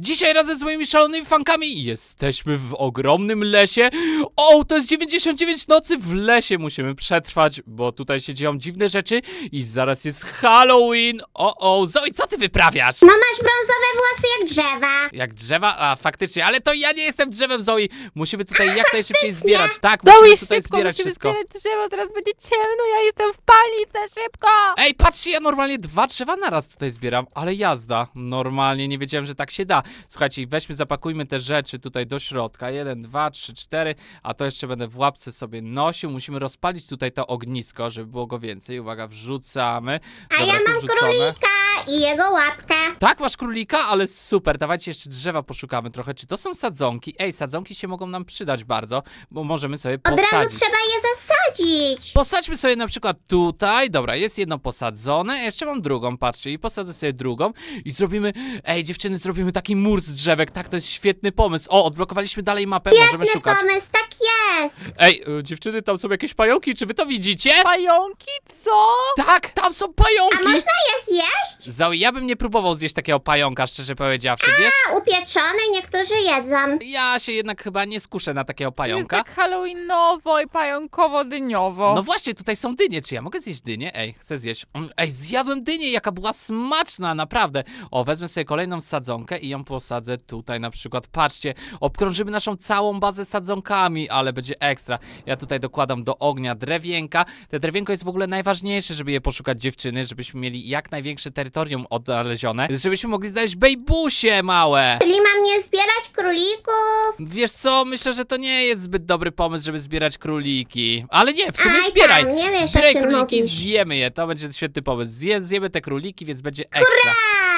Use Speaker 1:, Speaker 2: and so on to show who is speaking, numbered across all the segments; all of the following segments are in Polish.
Speaker 1: Dzisiaj razem z moimi szalonymi fankami jesteśmy w ogromnym lesie. O, to jest 99 nocy w lesie musimy przetrwać, bo tutaj się dzieją dziwne rzeczy i zaraz jest Halloween. O, Zoe, co ty wyprawiasz?
Speaker 2: No masz brązowe włosy jak drzewa.
Speaker 1: Jak drzewa? A, faktycznie, ale to ja nie jestem drzewem, Zoe. Musimy tutaj jak najszybciej zbierać. Tak,
Speaker 3: Zoe,
Speaker 1: musimy tutaj
Speaker 3: szybko,
Speaker 1: zbierać
Speaker 3: musimy
Speaker 1: wszystko.
Speaker 3: zbierać drzewo, teraz będzie ciemno, ja jestem w panice, szybko!
Speaker 1: Ej, patrzcie, ja normalnie 2 drzewa naraz tutaj zbieram, ale jazda. Normalnie nie wiedziałem, że tak się da. Słuchajcie, weźmy, zapakujmy te rzeczy tutaj do środka. 1, 2, 3, 4, a to jeszcze będę w łapce sobie nosił. Musimy rozpalić tutaj to ognisko, żeby było go więcej. Uwaga, wrzucamy.
Speaker 2: A
Speaker 1: Dobra,
Speaker 2: ja
Speaker 1: tu
Speaker 2: mam
Speaker 1: wrzucone.
Speaker 2: królika i jego łapkę.
Speaker 1: Tak, masz królika, ale super. Dawajcie jeszcze drzewa poszukamy trochę. Czy to są sadzonki? Ej, sadzonki się mogą nam przydać bardzo, bo możemy sobie
Speaker 2: Od razu
Speaker 1: posadzić.
Speaker 2: trzeba je zasadzić.
Speaker 1: Posadźmy sobie na przykład tutaj, dobra, jest jedno posadzone, a jeszcze mam drugą, patrzcie, i posadzę sobie drugą i zrobimy, ej dziewczyny, zrobimy taki mur z drzewek, tak, to jest świetny pomysł. O, odblokowaliśmy dalej mapę, możemy
Speaker 2: Świetny
Speaker 1: szukać.
Speaker 2: pomysł, tak jest.
Speaker 1: Ej, dziewczyny, tam są jakieś pająki, czy wy to widzicie?
Speaker 3: Pająki, co?
Speaker 1: Tak, tam są
Speaker 2: A
Speaker 1: pająki!
Speaker 2: można je zjeść?
Speaker 1: Zoe, ja bym nie próbował zjeść takiego pająka, szczerze powiedziawszy, wiesz?
Speaker 2: A upieczone niektórzy jedzą.
Speaker 1: Ja się jednak chyba nie skuszę na takiego
Speaker 3: Jest
Speaker 1: pająka.
Speaker 3: tak halloweenowo i pająkowo-dyniowo.
Speaker 1: No właśnie, tutaj są dynie. Czy ja mogę zjeść dynię? Ej, chcę zjeść. Ej, zjadłem dynię, jaka była smaczna, naprawdę. O, wezmę sobie kolejną sadzonkę i ją posadzę tutaj na przykład. Patrzcie, obkrążymy naszą całą bazę sadzonkami, ale będzie ekstra. Ja tutaj dokładam do ognia drewienka. Te drewienko jest w ogóle najważniejsze, żeby je poszukać dziewczyny, żebyśmy mieli jak największe terytorium odnalezione, żebyśmy mogli znaleźć bejbusie małe.
Speaker 2: Czyli mam nie zbierać królików.
Speaker 1: Wiesz co, myślę, że to nie jest zbyt dobry pomysł, żeby zbierać króliki. Ale nie, w sumie
Speaker 2: Aj,
Speaker 1: zbieraj.
Speaker 2: tam, nie wiesz,
Speaker 1: Zbieraj
Speaker 2: o czym
Speaker 1: króliki,
Speaker 2: mówisz.
Speaker 1: zjemy je. To będzie świetny pomysł. Zjemy te króliki, więc będzie ekstra.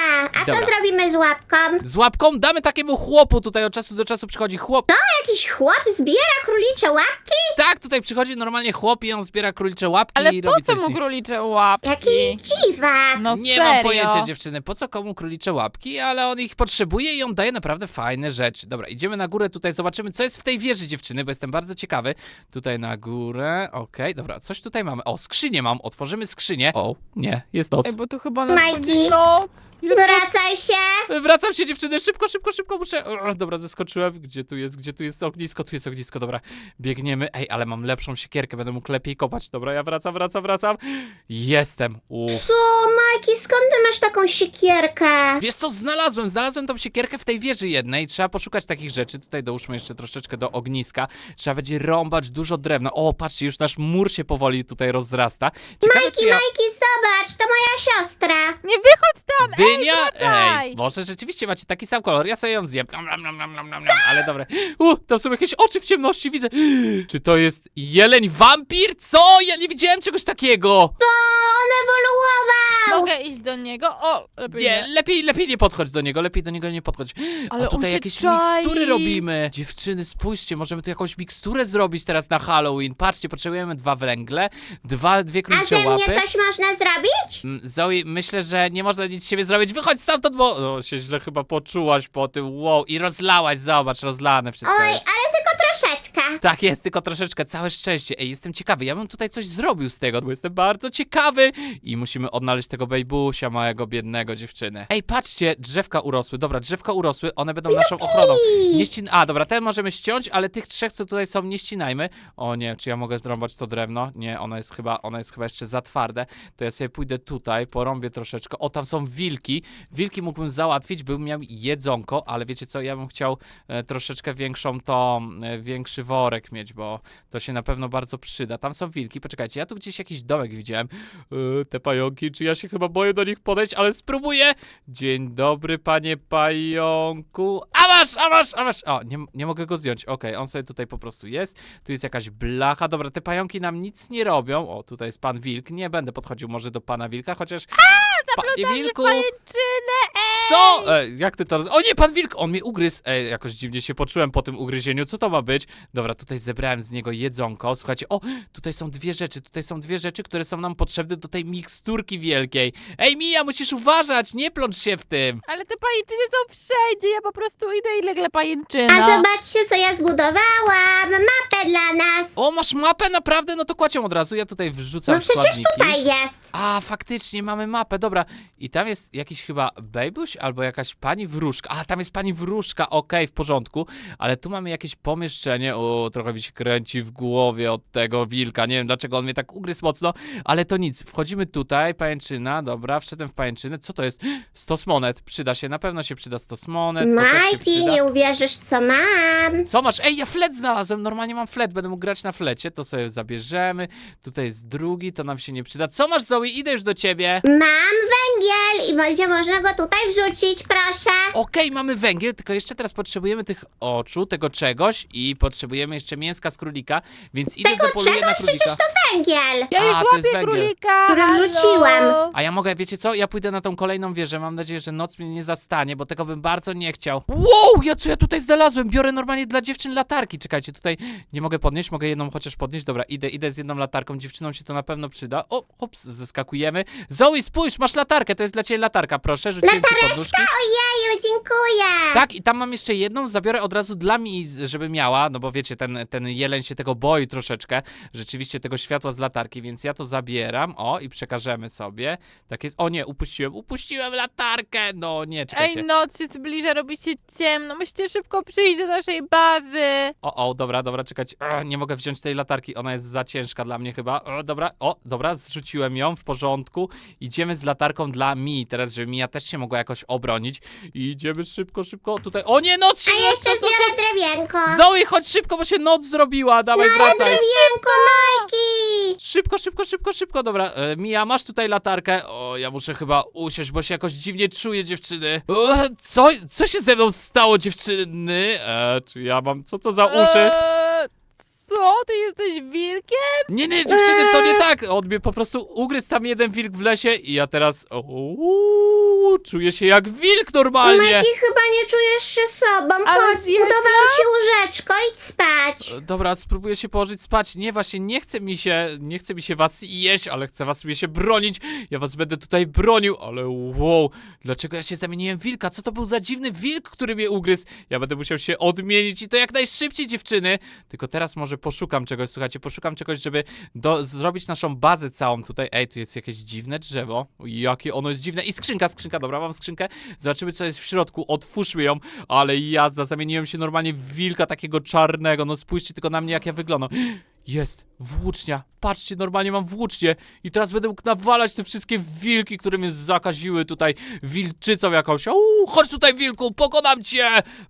Speaker 2: A
Speaker 1: Dobra.
Speaker 2: co zrobimy z łapką?
Speaker 1: Z łapką damy takiemu chłopu. Tutaj od czasu do czasu przychodzi chłop.
Speaker 2: Jakiś chłop zbiera królicze łapki?
Speaker 1: Tak, tutaj przychodzi normalnie chłop i on zbiera królicze łapki
Speaker 3: Ale
Speaker 1: i
Speaker 3: po
Speaker 1: robi
Speaker 3: co
Speaker 1: coś z
Speaker 3: mu
Speaker 1: nich.
Speaker 3: królicze łapki?
Speaker 2: Jakiś dziwak.
Speaker 3: No
Speaker 1: Nie
Speaker 3: serio?
Speaker 1: mam pojęcia, dziewczyny, po co komu królicze łapki, ale on ich potrzebuje i on daje naprawdę fajne rzeczy. Dobra, idziemy na górę, tutaj zobaczymy, co jest w tej wieży, dziewczyny, bo jestem bardzo ciekawy. Tutaj na górę, okej, dobra, coś tutaj mamy. O, skrzynię mam, otworzymy skrzynię. O, nie, jest noc.
Speaker 3: Ej, bo tu chyba
Speaker 2: Majki.
Speaker 3: nadchodzi noc.
Speaker 1: Jest noc.
Speaker 2: Wracaj się.
Speaker 1: Wracam się, dziewczyny, szybko, muszę... dobra, zeskoczyłem. Gdzie tu jest ognisko? Tu jest ognisko, dobra. Biegniemy. Ej, ale mam lepszą siekierkę, będę mógł lepiej kopać. Dobra, ja wracam. Jestem.
Speaker 2: Co, Majki, skąd ty masz taką siekierkę?
Speaker 1: Wiesz co, znalazłem tą siekierkę w tej wieży jednej. Trzeba poszukać takich rzeczy. Tutaj dołóżmy jeszcze troszeczkę do ogniska. Trzeba będzie rąbać dużo drewna. O, patrzcie, już nasz mur się powoli tutaj rozrasta. Ciekawe,
Speaker 2: Majki,
Speaker 1: czy ja...
Speaker 2: Majki, zobacz, to moja siostra.
Speaker 3: Nie wychodź tam!
Speaker 1: Dynia?
Speaker 3: wracaj!
Speaker 1: Ej, może rzeczywiście macie taki sam kolor, ja sobie ją zjem. Nom, ale dobre. Tam są jakieś oczy w ciemności, widzę. Czy to jest jeleń wampir? Co? Ja nie widziałem czegoś takiego.
Speaker 2: To on ewoluował.
Speaker 3: Mogę iść do niego? O, lepiej
Speaker 1: Nie, lepiej nie podchodź do niego, lepiej do niego nie podchodź.
Speaker 3: Ale
Speaker 1: A
Speaker 3: on
Speaker 1: tutaj
Speaker 3: się
Speaker 1: jakieś
Speaker 3: czai.
Speaker 1: mikstury robimy. Dziewczyny, spójrzcie, możemy tu jakąś miksturę zrobić teraz na Halloween. Patrzcie, potrzebujemy 2 węgle, dwie
Speaker 2: A
Speaker 1: królicze
Speaker 2: ze mnie
Speaker 1: łapy.
Speaker 2: coś można zrobić?
Speaker 1: Zoe, myślę, że nie można nic z siebie zrobić. Wychodź stamtąd, bo... O, się źle chyba poczułaś po tym. Wow, i rozlałaś, zobacz, rozlane wszystko
Speaker 2: Oj,
Speaker 1: jest.
Speaker 2: ale tylko troszeczkę.
Speaker 1: Tak jest, tylko troszeczkę, całe szczęście. Ej, jestem ciekawy, ja bym tutaj coś zrobił z tego, bo jestem bardzo ciekawy. I musimy odnaleźć tego bejbusia małego, biednego, dziewczyny. Ej, patrzcie, drzewka urosły. Dobra, drzewka urosły, one będą naszą ochroną. A, dobra, te możemy ściąć, ale tych 3, co tutaj są, nie ścinajmy. O nie, czy ja mogę zrąbać to drewno? Nie, ono jest chyba jeszcze za twarde. To ja sobie pójdę tutaj, porąbię troszeczkę. O, tam są wilki. Wilki mógłbym załatwić, bym miał jedzonko, ale wiecie co, ja bym chciał troszeczkę większy worek mieć, bo to się na pewno bardzo przyda. Tam są wilki, poczekajcie, ja tu gdzieś jakiś domek widziałem. Te pająki, czy ja się chyba boję do nich podejść, ale spróbuję. Dzień dobry, panie pająku. A masz! O, nie mogę go zdjąć. Okej, on sobie tutaj po prostu jest. Tu jest jakaś blacha. Dobra, te pająki nam nic nie robią. O, tutaj jest pan wilk. Nie będę podchodził może do pana wilka, chociaż... Panie wilku!
Speaker 3: pajęczynę,
Speaker 1: Co? Jak ty to... O nie, pan wilk! On mnie ugryzł. Jakoś dziwnie się poczułem po tym ugryzieniu. Co to ma być? Dobra, tutaj zebrałem z niego jedzonko. Słuchajcie, o, tutaj są dwie rzeczy, które są nam potrzebne do tej miksturki wielkiej. Ej, Mija, musisz uważać, nie plącz się w tym.
Speaker 3: Ale te pajęczyny są wszędzie, ja po prostu idę i legle pajęczyna.
Speaker 2: A zobaczcie, co ja zbudowałam. Mapę dla nas.
Speaker 1: O, masz mapę? Naprawdę? No to kładź ją od razu. Ja tutaj wrzucam
Speaker 2: No przecież
Speaker 1: składniki.
Speaker 2: tutaj jest.
Speaker 1: A, faktycznie, mamy mapę, dobra. I tam jest jakiś chyba bejbuś, albo jakaś pani wróżka. A, tam jest pani wróżka, okej, w porządku. Ale tu mamy jakieś pomieszczenie. O, trochę mi się kręci w głowie od tego wilka. Nie wiem, dlaczego on mnie tak ugryzł mocno, ale to nic. Wchodzimy tutaj, pajęczyna, dobra, wszedłem w pajęczynę. Co to jest? 100 monet. Przyda się, na pewno się przyda 100 monet. To też się
Speaker 2: Majki,
Speaker 1: przyda.
Speaker 2: nie uwierzysz, co mam.
Speaker 1: Co masz? Ej, ja flet znalazłem, normalnie mam flet, będę mógł grać na flecie, to sobie zabierzemy. Tutaj jest drugi, to nam się nie przyda. Co masz, Zoe? Idę już do ciebie.
Speaker 2: Mam węgiel i będzie można go tutaj wrzucić, proszę.
Speaker 1: Okej, mamy węgiel, tylko jeszcze teraz potrzebujemy tych oczu, tego czegoś i potrzebujemy jeszcze mięska z królika, więc idę
Speaker 2: Tego
Speaker 1: zapoluję na
Speaker 2: czegoś,
Speaker 1: królika.
Speaker 2: przecież to węgiel.
Speaker 3: Ja już
Speaker 1: A, to jest
Speaker 3: łapię
Speaker 1: węgiel.
Speaker 3: królika.
Speaker 2: Który
Speaker 3: halo.
Speaker 2: wrzuciłem.
Speaker 1: A ja mogę, wiecie co? Ja pójdę na tą kolejną wieżę, mam nadzieję, że noc mnie nie zastanie, bo tego bym bardzo nie chciał. Wow, co ja tutaj znalazłem? Biorę normalnie dla dziewczyn latarki. Czekajcie, tutaj nie mogę podnieść, mogę jedną chociaż podnieść. Dobra, idę z jedną latarką, dziewczynom się to na pewno przyda. O, hops, zeskakujemy. Zoe, spójrz, masz latarkę, to jest dla ciebie latarka, proszę, rzuciłem ci podnóżki.
Speaker 2: Ojeju, dziękuję.
Speaker 1: Tak, i tam mam jeszcze jedną, zabiorę od razu dla mi, żeby miała, no bo wiecie, ten jeleń się tego boi troszeczkę, rzeczywiście tego światła z latarki, więc ja to zabieram, o, i przekażemy sobie. Tak jest, o nie, upuściłem latarkę, no nie, czekajcie.
Speaker 3: Ej, noc się zbliża, robi się ciemno. Musicie szybko przyjść do naszej bazy.
Speaker 1: Dobra, czekajcie, nie mogę wziąć tej latarki, ona jest za ciężka dla mnie chyba. Dobra, zrzuciłem ją, w porządku. Idziemy z latarką dla Mi, teraz, żeby Mia też się mogła jakoś obronić. I idziemy szybko, tutaj. O nie, noc się
Speaker 2: A jeszcze
Speaker 1: noc,
Speaker 2: zbiorę drewienko.
Speaker 1: Zoe, chodź szybko, bo się noc zrobiła, dawaj,
Speaker 2: Ale
Speaker 1: wracaj.
Speaker 2: drewienko, Majki.
Speaker 1: Szybko, dobra. Mia, masz tutaj latarkę. O, ja muszę chyba usiąść, bo się jakoś dziwnie czuję, dziewczyny. Co się ze mną stało, dziewczyny? Czy ja mam, co to za uszy?
Speaker 3: Co? Ty jesteś wilkiem?
Speaker 1: Nie, dziewczyny, to nie tak. On mnie po prostu ugryzł tam jeden wilk w lesie i ja teraz, czuję się jak wilk normalnie.
Speaker 2: Majki, chyba nie czujesz się sobą.
Speaker 3: Ale
Speaker 2: Chodź,
Speaker 3: zjedz
Speaker 2: zbudowałam ci łóżeczko, idź spać.
Speaker 1: Dobra, spróbuję się położyć spać. Nie, właśnie nie chce mi się was jeść, ale chcę was mnie się bronić. Ja was będę tutaj bronił, ale wow, dlaczego ja się zamieniłem w wilka? Co to był za dziwny wilk, który mnie ugryzł? Ja będę musiał się odmienić i to jak najszybciej, dziewczyny. Tylko teraz może poszukam czegoś, słuchajcie, żeby zrobić naszą bazę całą tutaj. Ej, tu jest jakieś dziwne drzewo. Jakie ono jest dziwne. I skrzynka, dobra, mam skrzynkę. Zobaczymy, co jest w środku. Otwórzmy ją. Ale jazda, zamieniłem się normalnie w wilka takiego czarnego. No spójrzcie tylko na mnie, jak ja wyglądam. Jest, włócznia. Patrzcie, normalnie mam włócznię. I teraz będę mógł nawalać te wszystkie wilki, które mnie zakaziły tutaj wilczycą jakąś. Chodź tutaj, wilku, pokonam cię.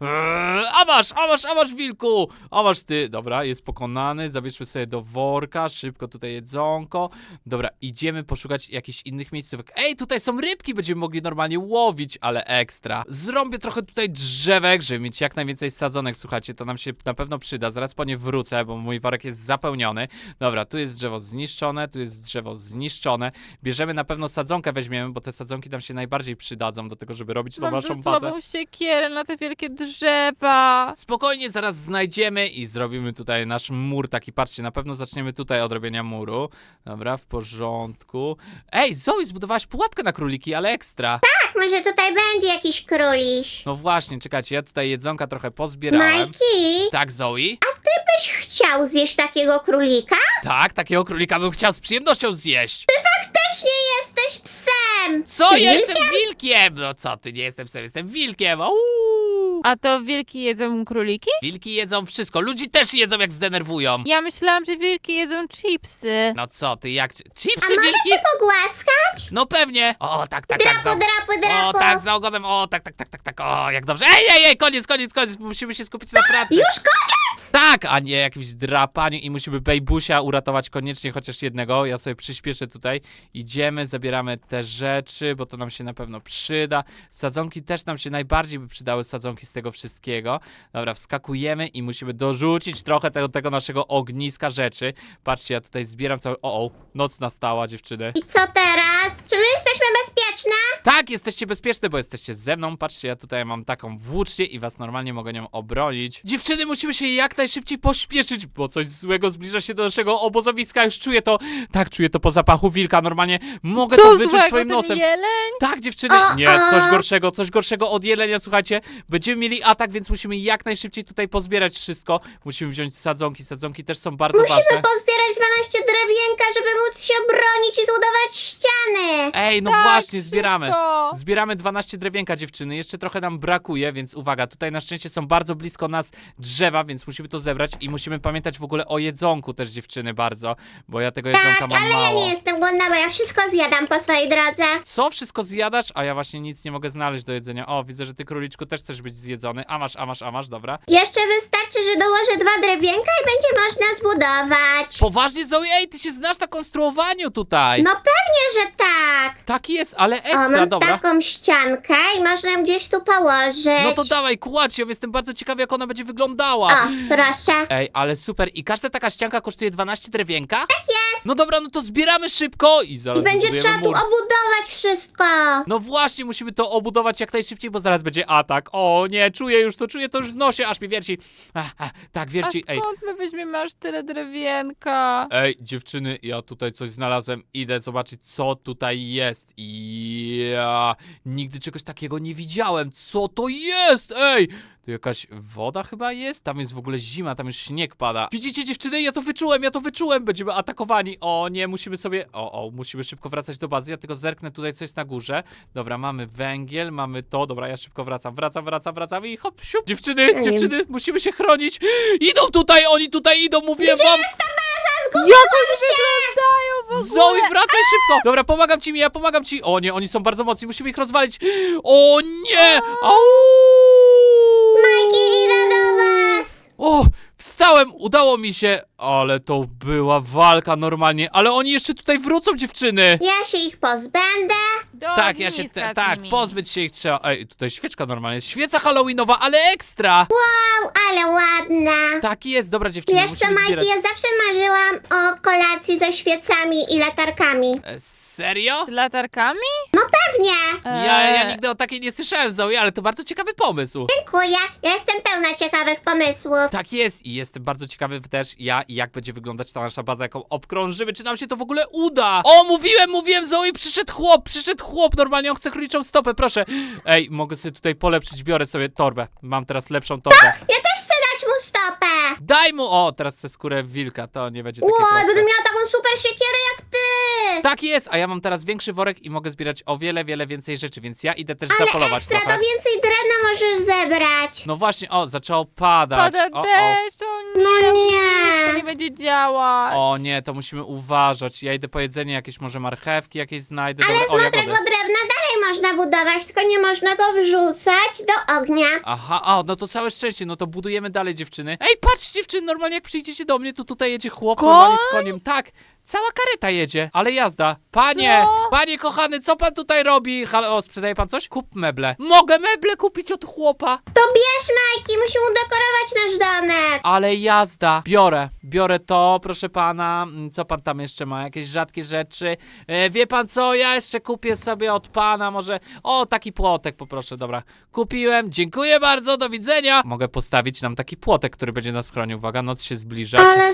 Speaker 1: A masz, wilku. A masz ty. Dobra, jest pokonany. Zabierzmy sobie do worka. Szybko tutaj jedzonko. Dobra, idziemy poszukać jakichś innych miejscówek. Ej, tutaj są rybki, będziemy mogli normalnie łowić, ale ekstra. Zrobię trochę tutaj drzewek, żeby mieć jak najwięcej sadzonek. Słuchajcie, to nam się na pewno przyda. Zaraz po nie wrócę, bo mój worek jest zapełniony. Dobra, tu jest drzewo zniszczone, tu jest drzewo zniszczone. Bierzemy na pewno sadzonkę, weźmiemy, bo te sadzonki nam się najbardziej przydadzą do tego, żeby robić tą
Speaker 3: Mam
Speaker 1: naszą
Speaker 3: za
Speaker 1: bazę.
Speaker 3: słabą siekierę na te wielkie drzewa.
Speaker 1: Spokojnie, zaraz znajdziemy i zrobimy tutaj nasz mur taki, patrzcie, na pewno zaczniemy tutaj od robienia muru. Dobra, w porządku. Ej, Zoe, zbudowałaś pułapkę na króliki, ale ekstra.
Speaker 2: Tak, może tutaj będzie jakiś króliś.
Speaker 1: No właśnie, czekajcie, ja tutaj jedzonka trochę pozbierałem.
Speaker 2: Majki,
Speaker 1: Tak, Zoe?
Speaker 2: byś chciał zjeść takiego królika?
Speaker 1: Tak, takiego królika bym chciał z przyjemnością zjeść.
Speaker 2: Też nie jesteś psem.
Speaker 1: Co?
Speaker 2: Ty
Speaker 1: Ja
Speaker 2: wilkiem?
Speaker 1: jestem wilkiem! No co ty, nie jestem psem, jestem wilkiem! Uuu.
Speaker 3: A to wilki jedzą króliki?
Speaker 1: Wilki jedzą wszystko, ludzi też jedzą jak zdenerwują.
Speaker 3: Ja myślałam, że wilki jedzą chipsy.
Speaker 1: No co ty, jak...
Speaker 2: A
Speaker 1: Chipsy
Speaker 2: mogę
Speaker 1: wilki?
Speaker 2: cię pogłaskać?
Speaker 1: No pewnie. O, tak,
Speaker 2: Drapu, drapu.
Speaker 1: O, tak, za ogonem, o, tak, o, jak dobrze. Ej, koniec, musimy się skupić na pracy.
Speaker 2: Już koniec?
Speaker 1: Tak, a nie jakimś drapaniu i musimy Bejbusia uratować koniecznie, chociaż jednego. Ja sobie przyspieszę tutaj. Idziemy, zabieramy te rzeczy, bo to nam się na pewno przyda. Sadzonki też nam się najbardziej by przydały, sadzonki z tego wszystkiego. Dobra, wskakujemy i musimy dorzucić trochę tego naszego ogniska rzeczy. Patrzcie, ja tutaj zbieram cały... noc nastała, dziewczyny.
Speaker 2: I co teraz? Czy my jesteśmy bezpieczne?
Speaker 1: Tak, jesteście bezpieczne, bo jesteście ze mną. Patrzcie, ja tutaj mam taką włócznię i was normalnie mogę nią obronić. Dziewczyny, musimy się jak najszybciej pośpieszyć, bo coś złego zbliża się do naszego obozowiska. Już czuję to. Tak, czuję to po zapachu wilka. Normalnie mogę to
Speaker 3: Co
Speaker 1: wyczuć
Speaker 3: złego,
Speaker 1: swoim
Speaker 3: ten
Speaker 1: nosem.
Speaker 3: jeleń?
Speaker 1: Tak, dziewczyny. Nie, coś gorszego od jelenia, słuchajcie. Będziemy mieli atak, więc musimy jak najszybciej tutaj pozbierać wszystko. Musimy wziąć sadzonki. Sadzonki też są bardzo
Speaker 2: Musimy
Speaker 1: ważne.
Speaker 2: pozbierać 12 drewienka, żeby móc się obronić i zbudować ściany.
Speaker 1: Ej, no
Speaker 3: Tak,
Speaker 1: właśnie,
Speaker 3: szybko.
Speaker 1: zbieramy.
Speaker 3: Szybko!
Speaker 1: Zbieramy 12 drewienka, dziewczyny. Jeszcze trochę nam brakuje, więc uwaga, tutaj na szczęście są bardzo blisko nas drzewa, więc musimy to zebrać i musimy pamiętać w ogóle o jedzonku też, dziewczyny, bardzo, bo ja tego jedzonka
Speaker 2: Tak,
Speaker 1: mam
Speaker 2: ale ja
Speaker 1: mało.
Speaker 2: nie jestem głodna, bo ja wszystko zjadam po swojej drodze.
Speaker 1: Co? Wszystko zjadasz? A ja właśnie nic nie mogę znaleźć do jedzenia. O, widzę, że ty, króliczku, też chcesz być zjedzony. A masz, dobra.
Speaker 2: Jeszcze wystarczy, że dołożę 2 drewienka i będzie można zbudować.
Speaker 1: Poważnie, Zoe? Ej, ty się znasz na konstruowaniu tutaj.
Speaker 2: No pewnie, że tak.
Speaker 1: Tak jest, ale
Speaker 2: O,
Speaker 1: ekstra,
Speaker 2: mam
Speaker 1: dobra.
Speaker 2: taką ściankę i można ją gdzieś tu położyć.
Speaker 1: No to dawaj, kładź ją, jestem bardzo ciekawy, jak ona będzie wyglądała.
Speaker 2: O, proszę.
Speaker 1: Ej, ale super. I każda taka ścianka kosztuje 12 drewienka? Tak jest. No dobra, no to zbieramy szybko i zaraz
Speaker 2: Będzie
Speaker 1: wybudujemy
Speaker 2: trzeba tu
Speaker 1: mur.
Speaker 2: obudować wszystko.
Speaker 1: No właśnie, musimy to obudować jak najszybciej, bo zaraz będzie atak. O nie, czuję to już w nosie, aż mi wierci. Tak,
Speaker 3: A
Speaker 1: wierci, ej.
Speaker 3: skąd my weźmiemy aż tyle drewienka?
Speaker 1: Ej, dziewczyny, ja tutaj coś znalazłem. Idę zobaczyć, co tutaj jest. I ja nigdy czegoś takiego nie widziałem. Co to jest? Ej! Tu jakaś woda chyba jest? Tam jest w ogóle zima, tam już śnieg pada. Widzicie, dziewczyny? Ja to wyczułem. Będziemy atakowani. O nie, musimy sobie... musimy szybko wracać do bazy. Ja tylko zerknę tutaj, co jest na górze. Dobra, mamy węgiel, mamy to. Dobra, ja szybko wracam i hop, siup. Dziewczyny, musimy się chronić. Idą tutaj, oni tutaj idą, mówiłem wam.
Speaker 3: Jak oni wyglądają w ogóle?
Speaker 1: Zoe, wracaj szybko! Dobra, pomagam ci. O nie, oni są bardzo mocni, musimy ich rozwalić. O nie! Au!
Speaker 2: Majki, idę do was.
Speaker 1: O, wstałem, udało mi się. Ale to była walka normalnie. Ale oni jeszcze tutaj wrócą, dziewczyny.
Speaker 2: Ja się ich pozbędę.
Speaker 3: Do
Speaker 1: Tak, ja się,
Speaker 3: ogniska z
Speaker 1: tak,
Speaker 3: nimi.
Speaker 1: pozbyć się ich trzeba. Ej, tutaj świeczka normalnie jest. Świeca halloweenowa, ale ekstra.
Speaker 2: Wow, ale ładna.
Speaker 1: Tak jest, dobra dziewczyny,
Speaker 2: Wiesz co,
Speaker 1: musimy
Speaker 2: Majki,
Speaker 1: zbierać.
Speaker 2: ja zawsze marzyłam o kolacji ze świecami i latarkami.
Speaker 1: Serio?
Speaker 3: Z latarkami?
Speaker 2: Pewnie.
Speaker 1: Ja nigdy o takiej nie słyszałem, Zoe, ale to bardzo ciekawy pomysł.
Speaker 2: Dziękuję. Ja jestem pełna ciekawych pomysłów.
Speaker 1: Tak jest i jestem bardzo ciekawy też jak będzie wyglądać ta nasza baza, jaką obkrążymy, czy nam się to w ogóle uda. O, mówiłem, Zoe, przyszedł chłop, normalnie on chce króliczą stopę, proszę. Ej, mogę sobie tutaj polepszyć, biorę sobie torbę, mam teraz lepszą torbę.
Speaker 2: Ja też chcę dać mu stopę.
Speaker 1: Daj mu, o, teraz chcę skórę wilka, to nie będzie takie
Speaker 2: Wow,
Speaker 1: proste.
Speaker 2: będę miała taką super siekierę jak ty.
Speaker 1: Tak jest, a ja mam teraz większy worek i mogę zbierać o wiele więcej rzeczy, więc ja idę też
Speaker 2: Ale
Speaker 1: zapolować
Speaker 2: ekstra,
Speaker 1: trochę.
Speaker 2: to więcej drewna możesz zebrać.
Speaker 1: No właśnie, o, zaczęło padać.
Speaker 3: Pada
Speaker 1: O.
Speaker 3: deszcz, o nie,
Speaker 2: No
Speaker 3: to nie
Speaker 2: nie.
Speaker 3: będzie działać.
Speaker 1: O nie, to musimy uważać. Ja idę po jedzenie, jakieś może marchewki jakieś znajdę.
Speaker 2: Ale z
Speaker 1: Dobra, o,
Speaker 2: mokrego
Speaker 1: jagody.
Speaker 2: drewna dalej można budować, tylko nie można go wrzucać do ognia.
Speaker 1: Aha, no to całe szczęście, no to budujemy dalej, dziewczyny. Ej, patrz, dziewczyny, normalnie jak przyjdziecie do mnie, to tutaj jedzie chłop
Speaker 3: Koń?
Speaker 1: normalnie z koniem. Tak, cała kareta jedzie, ale jazda. Panie,
Speaker 3: Co?
Speaker 1: panie kochany, co pan tutaj robi? Halo, o, sprzedaje pan coś? Kup meble. Mogę meble kupić od chłopa.
Speaker 2: To bierz, Majki, musimy udekorować nasz domek.
Speaker 1: Ale jazda. Biorę to, proszę pana. Co pan tam jeszcze ma? Jakieś rzadkie rzeczy? Wie pan co? Ja jeszcze kupię sobie od pana może... O, taki płotek poproszę, dobra. Kupiłem, dziękuję bardzo, do widzenia. Mogę postawić nam taki płotek, który będzie nas chronił. Uwaga, noc się zbliża.
Speaker 2: Ale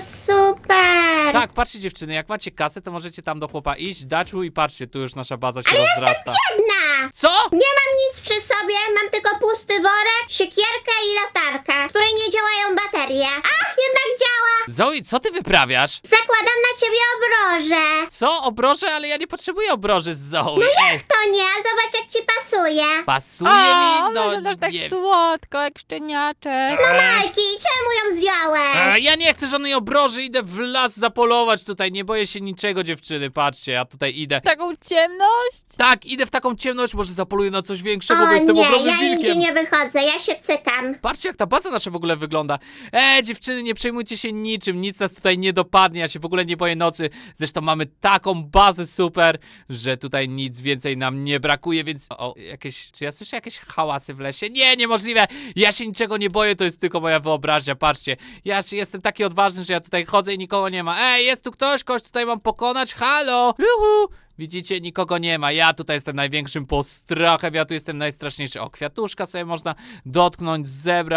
Speaker 2: super.
Speaker 1: Tak, patrzcie dziewczyny, jak macie kasę, to możecie tam do chłopa iść, dać mu i patrzcie, tu już nasza baza się rozrasta.
Speaker 2: Jedna.
Speaker 1: Co?
Speaker 2: Nie mam nic przy sobie, mam tylko pusty worek, siekierkę i latarkę, w której nie działają baterie. A, jednak działa.
Speaker 1: Zoe, co ty wyprawiasz?
Speaker 2: Zakładam na ciebie obroże.
Speaker 1: Co? Obroże? Ale ja nie potrzebuję obroży z Zoe. Ej,
Speaker 2: To nie, zobacz jak ci pasuje.
Speaker 1: pasuje
Speaker 3: O,
Speaker 1: mi, no
Speaker 3: wyglądasz tak
Speaker 1: nie.
Speaker 3: słodko, jak szczeniaczek.
Speaker 2: Majki, czemu ją zdjąłeś?
Speaker 1: Ja nie chcę żadnej obroży, idę w las zapolować tutaj, nie boję się niczego, dziewczyny, patrzcie, ja tutaj idę.
Speaker 3: Taką ciemność?
Speaker 1: Tak, idę w taką ciemność, może zapoluję na coś większego, bo
Speaker 2: O
Speaker 1: jestem
Speaker 2: nie,
Speaker 1: ogromnym
Speaker 2: ja nigdzie
Speaker 1: wilkiem.
Speaker 2: nie wychodzę, ja się cykam.
Speaker 1: Patrzcie, jak ta baza nasza w ogóle wygląda. Dziewczyny, nie przejmujcie się niczym, nic nas tutaj nie dopadnie, ja się w ogóle nie boję nocy. Zresztą mamy taką bazę super, że tutaj nic więcej nam nie brakuje, więc... czy ja słyszę jakieś hałasy w lesie? Nie, niemożliwe! Ja się niczego nie boję, to jest tylko moja wyobraźnia, patrzcie. Ja jestem taki odważny, że ja tutaj chodzę i nikogo nie ma. Jest tu ktoś? Kogoś tutaj mam pokonać? Halo? Juhu! Widzicie, nikogo nie ma. Ja tutaj jestem największym postrachem, ja tu jestem najstraszniejszy. O, kwiatuszka sobie można dotknąć, zebrać.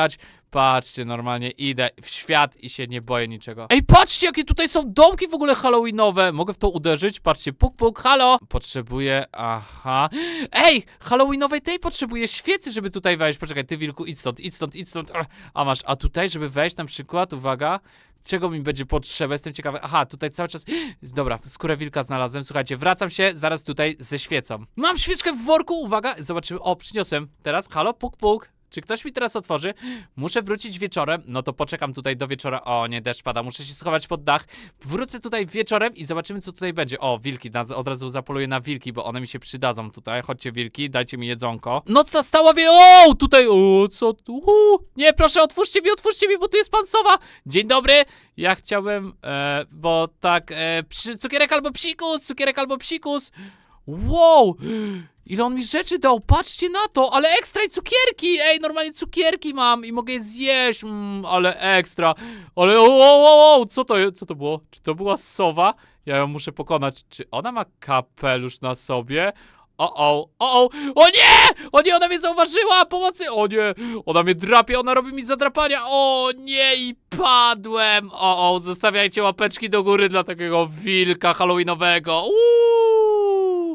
Speaker 1: patrzcie, normalnie idę w świat i się nie boję niczego. Ej, patrzcie, jakie tutaj są domki w ogóle halloweenowe. Mogę w to uderzyć? Patrzcie, puk, puk, halo. Potrzebuję, aha. Ej, halloweenowej tej potrzebuję świecy, żeby tutaj wejść. Poczekaj, ty wilku, idź stąd, idź stąd, idź stąd. A masz, a tutaj, żeby wejść na przykład, uwaga, czego mi będzie potrzeba? Jestem ciekawy. Aha, tutaj cały czas... Dobra, skórę wilka znalazłem. Słuchajcie, wracam się zaraz tutaj ze świecą. Mam świeczkę w worku, uwaga, zobaczymy. O, przyniosłem. Teraz, halo, puk, puk. Czy ktoś mi teraz otworzy? Muszę wrócić wieczorem. No to poczekam tutaj do wieczora. O, nie, deszcz pada. Muszę się schować pod dach. Wrócę tutaj wieczorem i zobaczymy, co tutaj będzie. O, wilki. Od razu zapoluję na wilki, bo one mi się przydadzą tutaj. Chodźcie, wilki, dajcie mi jedzonko. Noc nastała, o, tutaj, o, co tu? Nie, proszę, otwórzcie mi, bo tu jest pan Sowa. Dzień dobry. Ja chciałem, bo tak, cukierek albo psikus, cukierek albo psikus. Wow! Ile on mi rzeczy dał, patrzcie na to, ale ekstra i cukierki, ej, normalnie cukierki mam i mogę je zjeść, ale ekstra, ale co to było? Czy to była sowa? Ja ją muszę pokonać, czy ona ma kapelusz na sobie? O nie, ona mnie zauważyła, pomocy, o nie, ona mnie drapie, ona robi mi zadrapania, o nie, i padłem, zostawiajcie łapeczki do góry dla takiego wilka halloweenowego,